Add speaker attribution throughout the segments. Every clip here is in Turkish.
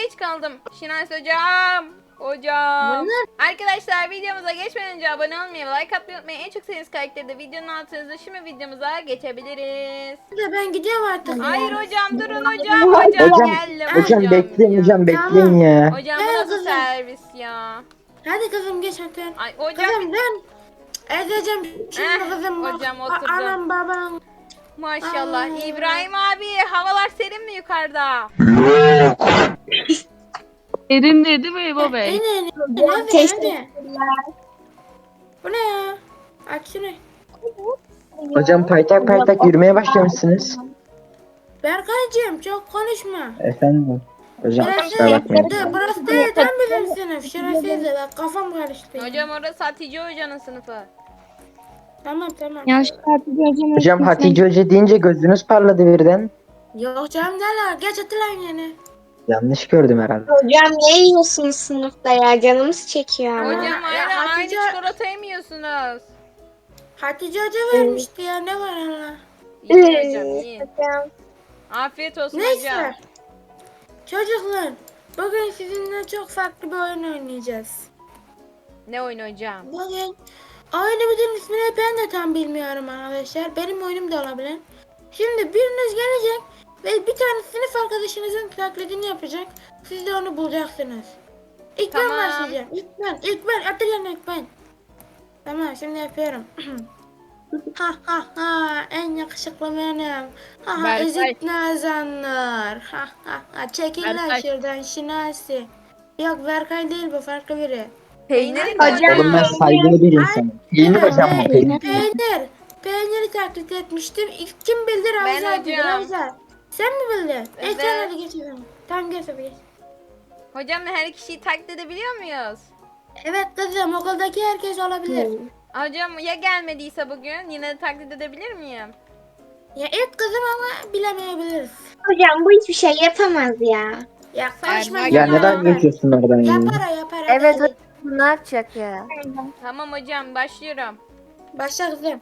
Speaker 1: geç kaldım. Şinasi hocam. Hocam. Arkadaşlar videomuza geçmeden önce abone olmayı ve like atmayı unutmayın. En çok sevdiğiniz karakteri de videonun altınızda. Şimdi videomuza geçebiliriz.
Speaker 2: Ben gidiyorum artık.
Speaker 1: Hayır hocam durun hocam. Hocam geldim
Speaker 3: Hocam bekleyin
Speaker 1: ya.
Speaker 3: hocam bekleyin ya.
Speaker 1: Hocam bu nasıl servis ya?
Speaker 2: Hadi kızım geç hadi.
Speaker 1: Ay hocam.
Speaker 2: Kızım dön. Edeceğim şimdi kızım. Bak.
Speaker 1: Hocam oturdum.
Speaker 2: Anam babam.
Speaker 1: Maşallah.
Speaker 2: Ay.
Speaker 1: İbrahim abi havalar serin mi yukarıda?
Speaker 4: Erin dedi mi İbo Bey?
Speaker 2: Hadi. Bu ne ya? Aç şunu.
Speaker 3: Hocam paytak paytak yürümeye başlamışsınız.
Speaker 2: Berkaycığım çok konuşma.
Speaker 3: Efendim. Hocam kusura bakmayın.
Speaker 2: Burası değil tam bizim sınıf. Şurasıydı bak kafam karıştı.
Speaker 1: Hocam orası Hatice hocanın sınıfı.
Speaker 2: Tamam.
Speaker 4: Yanlışlıkla Hatice hocam.
Speaker 3: Hocam Hatice Hoca deyince gözünüz parladı birden.
Speaker 2: Yok canım neler geç atılan yine.
Speaker 3: Yanlış gördüm herhalde.
Speaker 5: Hocam ne yiyorsunuz sınıfta ya? Canımız çekiyor ama.
Speaker 1: Hocam aynı
Speaker 2: Hatice-
Speaker 1: çikolatayı mı yiyorsunuz?
Speaker 2: Hatice Hoca vermişti ya ne var Allah.
Speaker 1: İyi hocam iyi.
Speaker 5: Hocam.
Speaker 1: Afiyet olsun hocam.
Speaker 2: Neyse. Çocuklar bugün sizinle çok farklı bir oyun oynayacağız.
Speaker 1: Ne oyun hocam?
Speaker 2: Bugün oyunumuzun ismini ben de tam bilmiyorum arkadaşlar. Benim oyunum da olabilir. Şimdi biriniz gelecek ve bir tane sınıf arkadaşınızın taklidini yapacak. Siz de onu bulacaksınız. İlk ben
Speaker 1: Tamam.
Speaker 2: başlayacağım. İlk ben. Atacağım ilk ben. Tamam şimdi yapıyorum. Ha ha ha en yakışıklı benim. Ha ha
Speaker 4: Berkay.
Speaker 2: ezik nazanlar. Ha ha ha çekil lan
Speaker 4: Berkay.
Speaker 2: şuradan Şinasi. Yok Berkay değil bu farklı biri.
Speaker 1: Peynir mi?
Speaker 5: Hocam.
Speaker 3: Oğlum ben saygılı bir insanım. Peynir hocam bu peynir.
Speaker 2: Peyniri taklit etmiştim. İlk kim bildi
Speaker 1: Ben
Speaker 2: Ravza bildi.
Speaker 1: hocam.
Speaker 2: Ravza. Sen mi bildin?
Speaker 1: Evet.
Speaker 2: Sen hadi geç o zaman. Tamam geç hadi geç.
Speaker 1: Hocam her kişiyi taklit edebiliyor muyuz?
Speaker 2: Evet kızım okuldaki herkes olabilir.
Speaker 1: Hocam ya gelmediyse bugün yine de taklit edebilir miyim?
Speaker 2: Ya ilk kızım ama bilemeyebiliriz.
Speaker 5: Hocam bu hiçbir şey yapamaz ya.
Speaker 2: Ya konuşma.
Speaker 3: Ya neden geçiyorsun oradan ya?
Speaker 2: Yapar.
Speaker 6: Evet
Speaker 2: hadi.
Speaker 6: hocam ne yapacak ya?
Speaker 1: Tamam hocam başlıyorum.
Speaker 2: Başla kızım.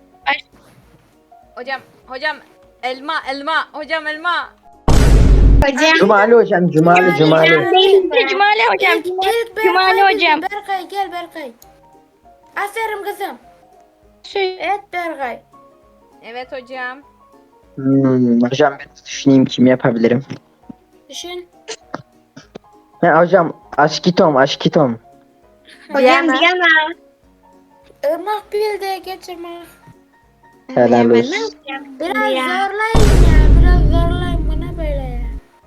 Speaker 1: Hocam elma hocam elma.
Speaker 5: Hocam.
Speaker 3: Cumali hocam Cumali.
Speaker 5: Değil de Cumali hocam.
Speaker 2: İlk
Speaker 5: Cumali
Speaker 2: Berkay
Speaker 5: hocam.
Speaker 2: dedi. Berkay gel Berkay. Aferin kızım. Evet Berkay.
Speaker 1: Evet hocam.
Speaker 3: Hocam ben düşüneyim kim yapabilirim.
Speaker 2: Düşün.
Speaker 3: Ha hocam aşkitom.
Speaker 5: Hocam
Speaker 6: Diana.
Speaker 5: Diana.
Speaker 2: Irmak bildi geç Irmak.
Speaker 3: Helal
Speaker 5: Ben ne
Speaker 3: olsun.
Speaker 5: yapacağım?
Speaker 2: Biraz
Speaker 5: ya.
Speaker 2: zorlayın ya. Biraz zorlayın bana böyle ya.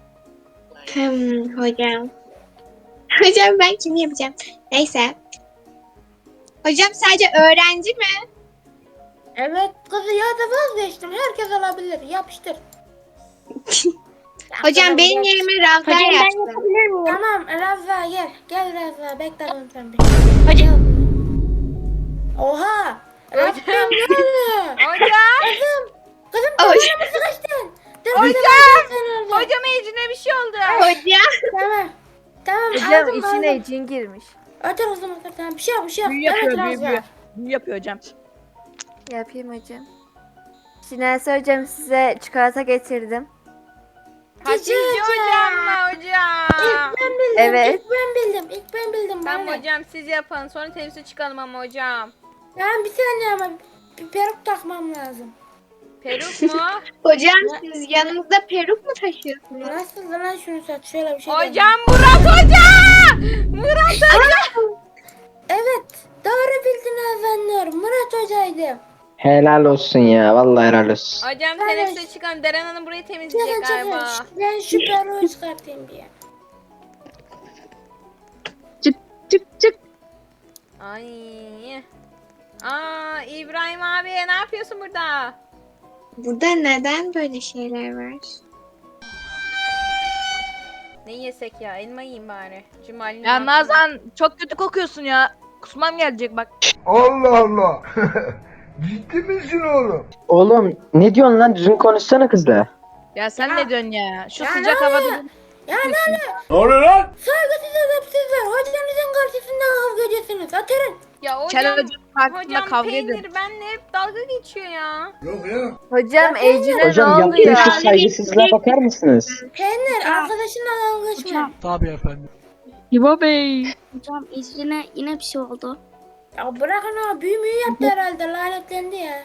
Speaker 5: Hocam. Hocam ben kimi yapacağım? Neyse. Hocam sadece öğrenci mi?
Speaker 2: Evet kızı ya da vazgeçtim. Herkes olabilir. Yapıştır.
Speaker 5: Hocam benim yerime Ravza yapsın.
Speaker 2: Tamam Ravza gel. Gel Ravza bekle oğlum sen bir.
Speaker 5: Hocam.
Speaker 2: Oha. Rabbim ne oluyor?
Speaker 1: Hocam.
Speaker 2: Kızım
Speaker 5: Hocam.
Speaker 2: kafana mı sıkıştın? Dur
Speaker 1: Hocam.
Speaker 2: sen orada.
Speaker 1: Hocam Ece'ne bir şey oldu.
Speaker 5: Hocam.
Speaker 2: Tamam
Speaker 6: Hocam
Speaker 2: aldım.
Speaker 6: içine cin girmiş.
Speaker 2: Otur o zaman otur tamam. Bir şey yok bir şey yok.
Speaker 4: Büyü yapıyor,
Speaker 2: Evet
Speaker 4: büyü,
Speaker 2: Ravza.
Speaker 4: büyü. Büyü yapıyor hocam.
Speaker 6: Yapayım hocam. Şinasi hocam size çikolata getirdim.
Speaker 1: Hatice hocam mı hocam?
Speaker 2: Ben bildim.
Speaker 6: Evet.
Speaker 2: İlk ben bildim.
Speaker 1: Tamam
Speaker 2: bana.
Speaker 1: hocam siz yapın sonra temsil çıkalım ama hocam.
Speaker 2: Tamam bir saniye ama bir peruk takmam lazım.
Speaker 1: Peruk mu?
Speaker 5: Hocam siz yanınızda peruk mu taşıyorsunuz?
Speaker 2: Nasıl lan şunu saç şöyle bir şey.
Speaker 1: Hocam Murat hoca! Murat hoca!
Speaker 2: Evet doğru bildin Azanlar. Murat hocaydı.
Speaker 3: Helal olsun ya. Vallahi helal olsun.
Speaker 1: Hocam
Speaker 2: Evet.
Speaker 1: teneffüse çıkalım. Deren Hanım burayı temizleyecek
Speaker 2: Çıkın
Speaker 1: galiba.
Speaker 2: çıkın. Ben şu peruğu çıkartayım bir.
Speaker 4: Çık.
Speaker 1: Ay. Aa İbrahim abi ne yapıyorsun burada?
Speaker 5: Burada neden böyle şeyler var?
Speaker 1: Ne yesek ya? Elma yiyeyim bari. Cumali'nin
Speaker 4: Ya
Speaker 1: altında.
Speaker 4: Nazan çok kötü kokuyorsun ya. Kusmam gelecek bak.
Speaker 7: Allah Allah. Ciddi misin oğlum?
Speaker 3: Oğlum ne diyorsun lan? Düzgün konuşsana kızla.
Speaker 4: Ya sen ne diyorsun ya? Şu
Speaker 2: Ya
Speaker 4: sıcak
Speaker 2: ne
Speaker 4: havada.
Speaker 2: oluyor? Ya ne?
Speaker 7: Ne oluyor lan?
Speaker 2: Saygısız edepsizler. Hocanızın karşısında kavga ediyorsunuz. Oturun.
Speaker 1: Ya hocam,
Speaker 4: Kel hocam hakkında
Speaker 1: hocam
Speaker 4: kavga
Speaker 1: peynir
Speaker 4: ediyor.
Speaker 1: benimle hep dalga geçiyor ya.
Speaker 6: Hocam Ecrin'e ne
Speaker 3: Hocam
Speaker 6: oluyor?
Speaker 3: yaptığı şu saygısızlığa bakar mısınız?
Speaker 2: Peynir arkadaşınla dalga geçme.
Speaker 4: İbo Bey.
Speaker 5: Hocam İzrin'e yine bir şey oldu.
Speaker 2: Ya bırakın o büyü müyü yaptı herhalde lanetlendi ya.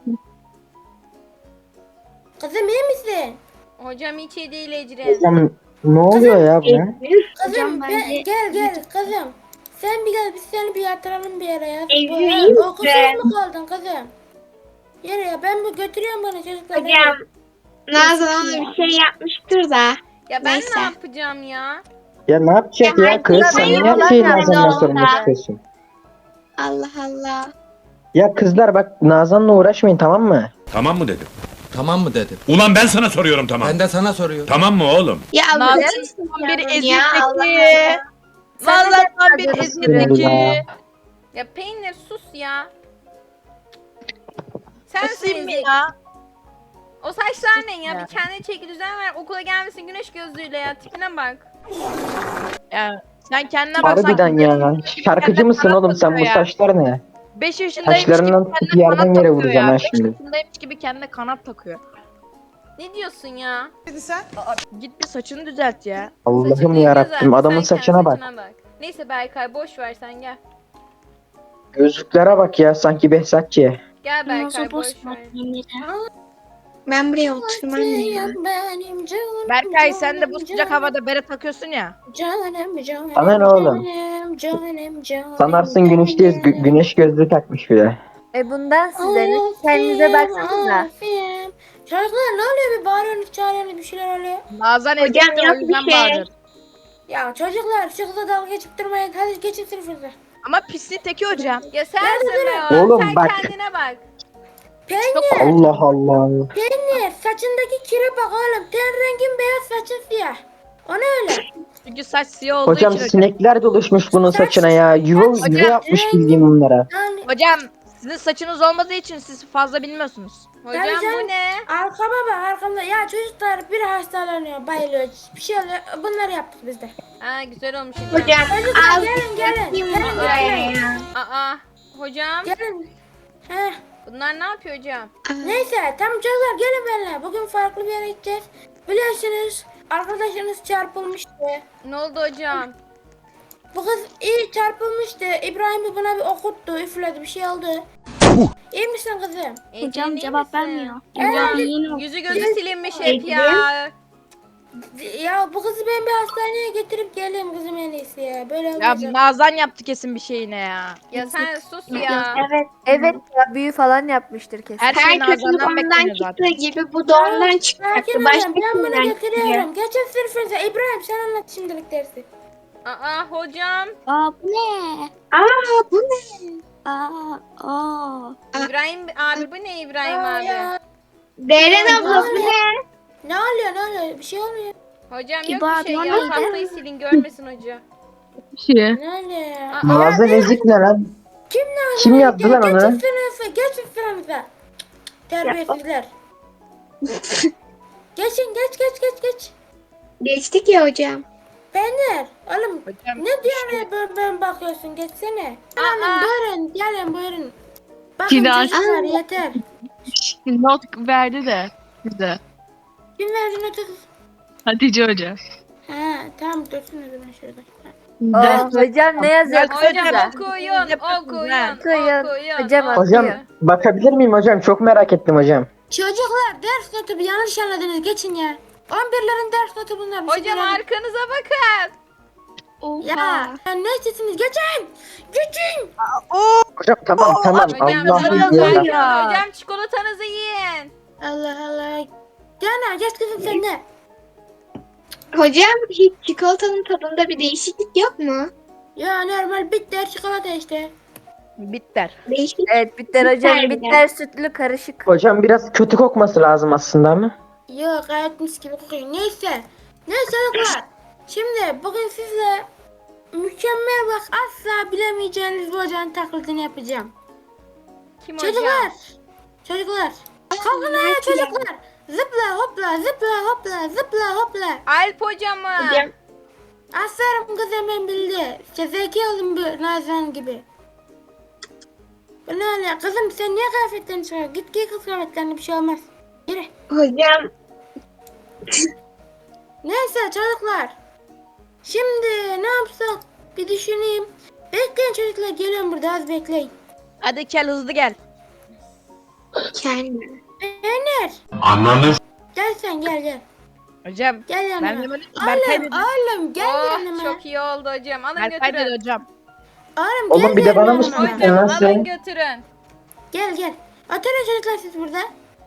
Speaker 2: Kızım iyi misin?
Speaker 1: Hocam hiç iyi değil Ecrin.
Speaker 3: Hocam ne oluyor ya buna?
Speaker 2: Kızım
Speaker 5: Hocam bence-
Speaker 2: gel kızım. Sen bir gel biz seni bir yatıralım bir yere ya.
Speaker 5: Evliyim
Speaker 2: Okulsuz
Speaker 5: ben.
Speaker 2: mu kaldın kızım? Yere ya ben bu götürüyorum bana çocuklar.
Speaker 5: Hocam Nazan ona bir şey yapmıştır da.
Speaker 1: Ya ben
Speaker 5: Neyse.
Speaker 1: ne yapacağım ya?
Speaker 3: Ya ne yapacak ya kız? Sen niye
Speaker 6: Hayır,
Speaker 3: her şeyin
Speaker 6: hayır,
Speaker 3: Nazan'dan
Speaker 5: hayır.
Speaker 3: sorumlu çıkıyorsun?
Speaker 5: Allah Allah.
Speaker 3: Ya kızlar bak Nazan'la uğraşmayın tamam mı?
Speaker 8: Tamam mı dedim?
Speaker 9: Tamam mı dedim.
Speaker 8: Ulan ben sana soruyorum tamam.
Speaker 9: Ben de sana soruyorum.
Speaker 8: Tamam mı oğlum?
Speaker 5: Ya
Speaker 4: Nazan
Speaker 5: bırakın
Speaker 4: tam bir
Speaker 5: ya, Allah
Speaker 4: ezikteki.
Speaker 6: Sen de
Speaker 4: Nazan tam bir
Speaker 6: yapmadın.
Speaker 4: ezikteki.
Speaker 1: Ya peynir sus ya. Sen
Speaker 4: Isayım mı ya?
Speaker 1: O saçlar ne ya?
Speaker 4: ya.
Speaker 1: Bir kendine çeki düzen ver. Okula gelmesin güneş gözlüğüyle ya. Tipine bak.
Speaker 4: Ya sen kendine baksan.
Speaker 3: Harbiden ya. Şarkıcı mısın oğlum sen bu
Speaker 4: Ya.
Speaker 3: saçlar ne?
Speaker 4: 5 yaşındaymış
Speaker 3: Saçlarından
Speaker 4: gibi
Speaker 3: tutup
Speaker 4: kendine
Speaker 3: yerden
Speaker 4: kanat
Speaker 3: yere
Speaker 4: takıyor
Speaker 3: vuracağım
Speaker 4: ya.
Speaker 3: ha
Speaker 4: 5
Speaker 3: şimdi.
Speaker 4: yaşındaymış gibi kendine kanat takıyor.
Speaker 1: Ne diyorsun ya?
Speaker 4: Git bir saçını düzelt ya.
Speaker 3: Allah'ım
Speaker 1: Saçını
Speaker 3: yarabbim
Speaker 1: düzelt,
Speaker 3: adamın
Speaker 1: sen kendi
Speaker 3: saçına bak.
Speaker 1: Neyse Berkay boş ver sen gel.
Speaker 3: Gözlüklere bak ya sanki Behzatçı.
Speaker 1: Gel Berkay
Speaker 5: Nazan
Speaker 1: boş
Speaker 5: boş
Speaker 1: ver.
Speaker 5: Ben buraya oturmam ya.
Speaker 2: Benim canım.
Speaker 4: Berkay sen de bu
Speaker 2: canım,
Speaker 4: sıcak havada bere takıyorsun ya.
Speaker 2: Canım.
Speaker 3: Sana ne oğlum?
Speaker 2: Canım.
Speaker 3: Sanarsın güneşteyiz güneş gözlüğü takmış bir de.
Speaker 6: Bundan size ne? Kendinize baksanıza.
Speaker 2: Çocuklar ne oluyor bir bağırıyorsunuz çağırıyorsunuz bir şeyler oluyor.
Speaker 4: Nazan
Speaker 5: Hocam
Speaker 4: ezikti o
Speaker 5: yok bir
Speaker 4: yüzden
Speaker 5: şey.
Speaker 4: bağırır.
Speaker 2: Ya çocuklar şu kıza dalga geçip durmayın hadi geçin sınıfınıza.
Speaker 4: Ama pisliğin teki hocam.
Speaker 1: Ya sensin be o.
Speaker 3: Oğlum
Speaker 1: Sen
Speaker 3: bak.
Speaker 1: kendine bak.
Speaker 2: Peynir,
Speaker 3: Allah Allah.
Speaker 2: peynir saçındaki kire bak oğlum ten rengin beyaz saçın siyah. O ne öyle?
Speaker 4: Çünkü saç siyah olduğu
Speaker 3: Hocam
Speaker 4: için hocam.
Speaker 3: sinekler doluşmuş bunun saçına ya. Yuva yapmış bildiğim bunlara.
Speaker 2: Yani
Speaker 4: Hocam sizin saçınız olmadığı için siz fazla bilmiyorsunuz.
Speaker 1: Hocam
Speaker 2: Tabii canım.
Speaker 1: bu ne?
Speaker 2: arkama bak arkamda ya çocuklar bir hastalanıyor bayılıyor bir şey oluyor bunları yaptık biz de.
Speaker 1: Ha güzel olmuş hocam.
Speaker 5: Hocam
Speaker 2: Çocuklar
Speaker 5: az
Speaker 2: gelin
Speaker 5: yapayım buraya ya.
Speaker 1: Aa hocam
Speaker 2: gelin. Heh.
Speaker 1: bunlar ne yapıyor hocam?
Speaker 2: Neyse tam çocuklar gelin benimle bugün farklı bir yere gideceğiz. Biliyorsunuz arkadaşınız çarpılmıştı.
Speaker 1: Ne oldu hocam?
Speaker 2: Bu kız iyi çarpılmıştı. İbrahim buna bir okuttu, üfledi bir şey oldu. İyi misin kızım?
Speaker 5: Hocam
Speaker 1: iyi
Speaker 5: cevap
Speaker 1: misin?
Speaker 5: vermiyor.
Speaker 1: Hocam
Speaker 5: Yeni
Speaker 1: yüzü gözü silinmiş hep ya.
Speaker 2: Ya bu kızı ben bir hastaneye getirip geleyim kızım en iyisi ya. Böyle
Speaker 4: Ya
Speaker 2: olmayacak.
Speaker 4: Nazan yaptı kesin bir şeyine ya.
Speaker 1: Ya sen sus ya.
Speaker 5: Evet.
Speaker 6: Evet ya büyü falan yapmıştır kesin.
Speaker 4: Her şey
Speaker 5: Her kötülük
Speaker 4: Nazan'dan
Speaker 5: ondan
Speaker 4: bekleniyor
Speaker 5: çıktığı
Speaker 4: zaten.
Speaker 5: gibi bu da ondan çıkacaktı.
Speaker 2: Sakin olun
Speaker 5: Başka
Speaker 2: ben bunu
Speaker 5: kimden çıkıyor?
Speaker 2: getiriyorum. Geçin sınıfınıza. İbrahim sen anlat şimdilik dersi.
Speaker 1: Aa hocam.
Speaker 5: Aa bu ne? Aa bu ne? Aa.
Speaker 1: İbrahim abi bu ne İbrahim
Speaker 2: Aa,
Speaker 1: abi?
Speaker 2: ya.
Speaker 5: Deren abla bu ne?
Speaker 2: Ne oluyor bir şey olmuyor.
Speaker 1: Hocam yok
Speaker 5: İbo
Speaker 1: bir
Speaker 5: abi,
Speaker 1: şey
Speaker 5: o
Speaker 1: ya.
Speaker 5: neydi?
Speaker 1: Tahtayı silin görmesin hoca.
Speaker 2: Ne oluyor ya?
Speaker 1: Aa,
Speaker 3: Nazan ezik ne lan?
Speaker 2: Kim ne
Speaker 3: Kim yaptı lan
Speaker 2: Geçin
Speaker 3: onu?
Speaker 2: sınıfa geçin sınıfa. Terbiyesizler. Geçin geç.
Speaker 5: Geçtik ya hocam.
Speaker 2: Peynir oğlum
Speaker 4: Hocam
Speaker 2: ne diye ben bakıyorsun geçsene.
Speaker 1: Aa.
Speaker 2: Hanım buyurun gelin buyurun. Bakın
Speaker 10: Şimdi
Speaker 2: çocuklar yeter.
Speaker 10: not verdi de bize.
Speaker 2: Kim verdi notu?
Speaker 10: Hatice Hoca.
Speaker 2: Ha tamam dursun o zaman şurada.
Speaker 6: Hocam ne yazıyor?
Speaker 1: Hocam
Speaker 6: Kısaca.
Speaker 1: okuyun.
Speaker 6: Okuyun. Hocam
Speaker 3: Hocam
Speaker 6: okuyor.
Speaker 3: bakabilir miyim hocam? Çok merak ettim hocam.
Speaker 2: Çocuklar ders notu bir yanlış anladınız geçin ya. 11'lerin ders notu bunlar. bir şey
Speaker 1: Hocam
Speaker 2: demedim.
Speaker 1: arkanıza bakın.
Speaker 2: Ya ne istesiniz geçin. Geçin.
Speaker 3: Hocam tamam
Speaker 1: Hocam
Speaker 3: Allah'ım
Speaker 1: tamam,
Speaker 3: ya.
Speaker 1: hocam çikolatanızı yiyin.
Speaker 2: Allah. Cana geç kızım sen de.
Speaker 5: Hocam hiç çikolatanın tadında bir değişiklik yok mu?
Speaker 2: Ya normal bitter çikolata işte.
Speaker 4: bitter.
Speaker 5: Değişik.
Speaker 6: Evet bitter hocam.
Speaker 5: Bitter
Speaker 6: Bitter sütlü karışık.
Speaker 3: Hocam biraz kötü kokması lazım aslında ama.
Speaker 2: Yok gayet mis gibi kokuyor. Neyse çocuklar. Şimdi bugün sizle mükemmel bak asla bilemeyeceğiniz bir hocanın taklidini yapacağım.
Speaker 1: Kim hocam?
Speaker 2: Çocuklar. Kalkın ayağa çocuklar. Zıpla hopla.
Speaker 1: Alp hocam mı?
Speaker 5: Hocam
Speaker 2: Aferin kızım ben bildi. İşte zeki olun bu Nazan gibi. Bu ne oluyor? Kızım sen niye kıyafetlerini çıkar? Git giy kız kıyafetlerini, bir şey olmaz. Yürü.
Speaker 5: Hocam
Speaker 2: Neyse çocuklar. Şimdi ne yapsak? Bir düşüneyim. Bekleyin çocuklar, geliyorum burada, az bekleyin.
Speaker 4: Hadi Kel hızlı gel.
Speaker 5: kendime.
Speaker 2: Peynir.
Speaker 8: Ananı
Speaker 2: Gel sen, gel.
Speaker 4: Hocam
Speaker 2: Gel yanıma.
Speaker 4: ben de böyle Berkay
Speaker 2: Oğlum,
Speaker 4: dedi.
Speaker 2: oğlum gel
Speaker 1: Oh,
Speaker 2: yanıma.
Speaker 1: çok iyi oldu hocam. Alın
Speaker 4: Berkay dedi
Speaker 1: götürün.
Speaker 4: hocam.
Speaker 2: Oğlum,
Speaker 3: Oğlum, bir de bana mı
Speaker 2: yanıma.
Speaker 3: sıkıyorsun?
Speaker 1: Hocam
Speaker 3: Nasıl?
Speaker 1: alın götürün.
Speaker 2: Gel. Oturun çocuklar siz burada.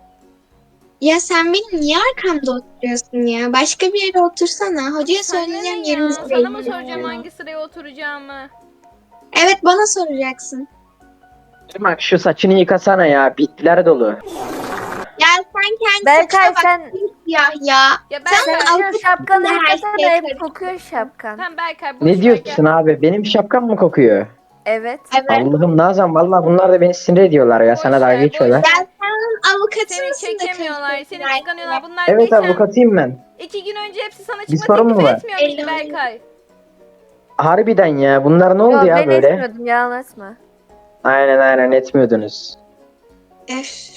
Speaker 5: Ya sen benim niye arkamda oturuyorsun ya? Başka bir yere otursana. Hocaya
Speaker 1: Sana
Speaker 5: söyleyeceğim
Speaker 1: ne ya?
Speaker 5: yerimiz
Speaker 1: Sana mı
Speaker 5: belli.
Speaker 1: soracağım hangi sıraya oturacağımı?
Speaker 5: Evet bana soracaksın.
Speaker 3: Bak şu saçını yıkasana ya. Bitler dolu.
Speaker 5: Ya sen kendi
Speaker 6: Berkay
Speaker 5: saçına bak.
Speaker 6: sen
Speaker 5: Ya ya.
Speaker 1: Ya
Speaker 5: Sen
Speaker 1: Berkay.
Speaker 5: al-
Speaker 6: şu şapkanı
Speaker 5: Her
Speaker 6: yıkasana,
Speaker 5: şey
Speaker 6: hep
Speaker 5: karışık.
Speaker 6: kokuyor şapkan.
Speaker 1: Tamam Berkay boş
Speaker 3: Ne
Speaker 1: ver,
Speaker 3: diyorsun abi? Benim şapkam mı kokuyor?
Speaker 6: Evet.
Speaker 5: Evet.
Speaker 3: Allah'ım Nazan, vallahi bunlar da beni sinir ediyorlar ya.
Speaker 1: Boş
Speaker 3: Sana
Speaker 1: ver,
Speaker 3: dalga
Speaker 1: boş
Speaker 3: geçiyorlar.
Speaker 1: ver.
Speaker 5: Ya sen onun avukatı
Speaker 1: Seni
Speaker 5: mısın da
Speaker 1: çekemiyorlar, seni
Speaker 5: karıştırıyorsun
Speaker 1: kıskanıyorlar. Bunlar
Speaker 3: Evet
Speaker 1: geçen
Speaker 3: avukatıyım ben.
Speaker 1: 2 gün önce hepsi sana
Speaker 3: Bir
Speaker 1: çıkma
Speaker 3: sorun mu
Speaker 1: teklif
Speaker 3: var?
Speaker 1: etmiyor muydu
Speaker 5: Elli.
Speaker 1: Berkay?
Speaker 3: Harbiden ya. Bunlar ne oldu
Speaker 6: Yok,
Speaker 3: ya
Speaker 6: ben
Speaker 3: böyle?
Speaker 6: etmiyordum, yalan atma.
Speaker 3: Aynen etmiyordunuz.
Speaker 5: Öf.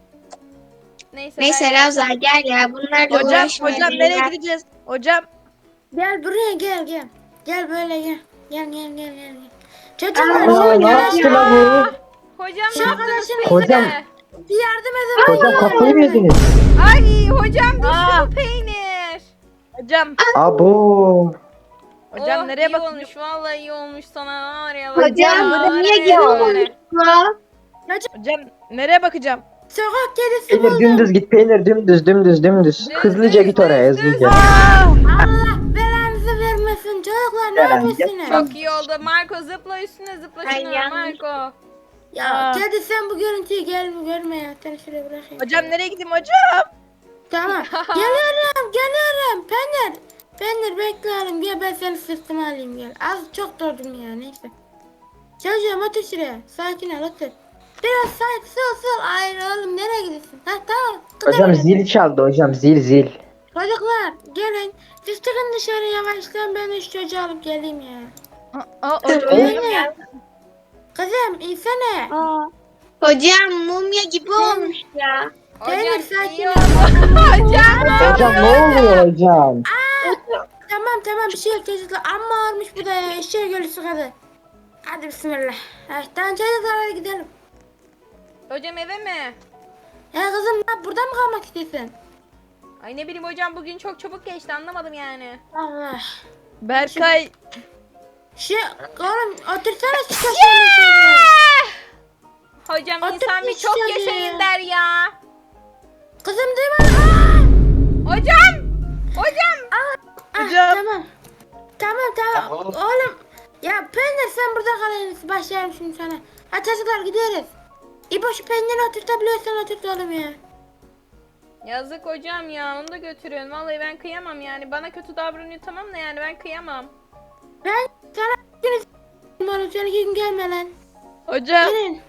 Speaker 1: Neyse.
Speaker 5: Neyse
Speaker 1: Berkay.
Speaker 5: Ravza gel ya bunlarla
Speaker 4: Hocam
Speaker 5: uğraşmayalım.
Speaker 4: hocam nereye gideceğiz? Hocam
Speaker 2: Gel buraya, gel. Gel böyle gel. Gel. Çocuklar
Speaker 5: Aa,
Speaker 3: Aa,
Speaker 2: şimdi
Speaker 3: ne yaptı la bu?
Speaker 1: Hocam
Speaker 2: Şu
Speaker 1: ne yaptınız
Speaker 2: arkadaşın-
Speaker 3: Hocam.
Speaker 1: peynire?
Speaker 2: bir yardım edin.
Speaker 3: Hocam kafayı mı yediniz?
Speaker 1: Ay hocam düştü
Speaker 4: Aa.
Speaker 1: bu peynir.
Speaker 4: hocam
Speaker 3: Abo.
Speaker 4: hocam
Speaker 1: Oh,
Speaker 4: nereye
Speaker 1: iyi
Speaker 4: bakıyorsun?
Speaker 1: olmuş vallahi iyi olmuş sana var ya.
Speaker 5: Hocam
Speaker 1: var
Speaker 5: bu niye
Speaker 1: ya.
Speaker 5: geliyor?
Speaker 4: Hocam nereye bakacağım?
Speaker 2: Sokak kedisi
Speaker 3: Peynir
Speaker 2: buldum.
Speaker 3: dümdüz git, peynir dümdüz. Hızlıca git oraya, hızlıca.
Speaker 2: Allah belanızı vermesin çocuklar, ne
Speaker 3: Beren,
Speaker 2: yapıyorsunuz?
Speaker 1: Çok iyi oldu. Marco zıpla üstüne zıpla
Speaker 5: Ay,
Speaker 1: şuna
Speaker 5: yanlış.
Speaker 1: Marco.
Speaker 2: Ya
Speaker 4: Aa.
Speaker 2: kedi sen bu görüntüyü görme ya. Seni şuraya bırakayım.
Speaker 4: Hocam nereye gideyim hocam?
Speaker 2: Tamam. Geliyorum. Peynir bekle oğlum. Gel ben seni sırtıma alayım gel. Az çok durdum ya, neyse. Çocuğum otur şuraya. Sakin ol, otur. Biraz sakin, sol. Hayır oğlum, nereye gidiyorsun? Ha tamam.
Speaker 3: Hocam zil çaldı hocam, zil.
Speaker 2: Çocuklar gelin. Siz çıkın dışarı yavaştan, ben şu çocuğu alıp geleyim ya.
Speaker 1: Hocam.
Speaker 2: Kızım insene.
Speaker 5: Hocam mumya gibi olmuş ya.
Speaker 2: Peynir,
Speaker 1: Hocam
Speaker 2: sakin
Speaker 1: iyi
Speaker 2: ol.
Speaker 1: oldu. Hocam.
Speaker 3: Hocam ne oluyor hocam?
Speaker 2: Tamam bir şey yok çocuklar. Amma olmuş bu da ya. Eşeğe gölü sıkadı. Hadi bismillah. Tamam çocuklar, hadi gidelim.
Speaker 1: Hocam eve mi?
Speaker 2: Kızım burada mı kalmak istiyorsun?
Speaker 1: Ay ne bileyim hocam bugün çok çabuk geçti anlamadım yani.
Speaker 2: Allah.
Speaker 4: Berkay
Speaker 2: Oğlum otursana şu köşeye şöyle.
Speaker 1: Hocam
Speaker 2: Otur
Speaker 1: insan bir
Speaker 2: işte
Speaker 1: çok
Speaker 2: ya.
Speaker 1: yaşayın der ya.
Speaker 2: Kızım duyma. Aa!
Speaker 1: Hocam.
Speaker 4: hocam.
Speaker 2: Tamam. Oğlum. Ya Peynir sen burada kalayım. Başlayalım şimdi sana. Hadi çocuklar gidiyoruz. İbo şu peyniri oturtabiliyorsan oturt oğlum ya.
Speaker 1: Yazık hocam ya onu da götürün. Vallahi ben kıyamam yani. Bana kötü davranıyor tamam da yani ben kıyamam.
Speaker 2: Ben sana oğlum sen 2 gün gelme lan.
Speaker 4: Hocam.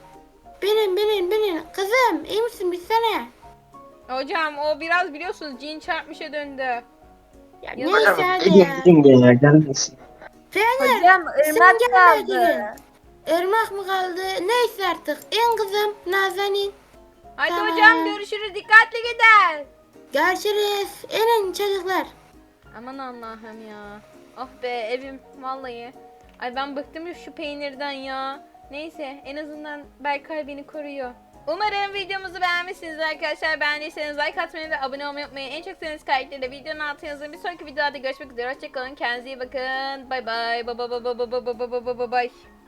Speaker 2: Binin. Kızım iyi misin, bitsene.
Speaker 1: Hocam o biraz biliyorsunuz cin çarpmışa döndü.
Speaker 2: Ya
Speaker 1: Yazık.
Speaker 2: neyse hadi ya.
Speaker 3: Gidin ya, gelmesin.
Speaker 2: Peynir.
Speaker 6: Hocam ırmak
Speaker 2: Sen gelme iki gün.
Speaker 6: kaldı.
Speaker 2: Irmak mı kaldı? Neyse artık. İn kızım. Nazanin.
Speaker 1: Hadi
Speaker 2: Tamam.
Speaker 1: hocam görüşürüz dikkatli gidin.
Speaker 2: Görüşürüz. İnin çocuklar.
Speaker 1: Aman Allah'ım ya. Oh be evim vallahi. Ay ben bıktım şu peynirden ya. Neyse en azından Berkay beni koruyor. Umarım videomuzu beğenmişsiniz arkadaşlar. Beğendiyseniz like atmayı ve abone olmayı unutmayın. En çok sevdiğiniz karakteri videonun altına yazın. Bir sonraki videoda görüşmek üzere. Hoşçakalın. Kendinize iyi bakın. Bay bay. Bay bay.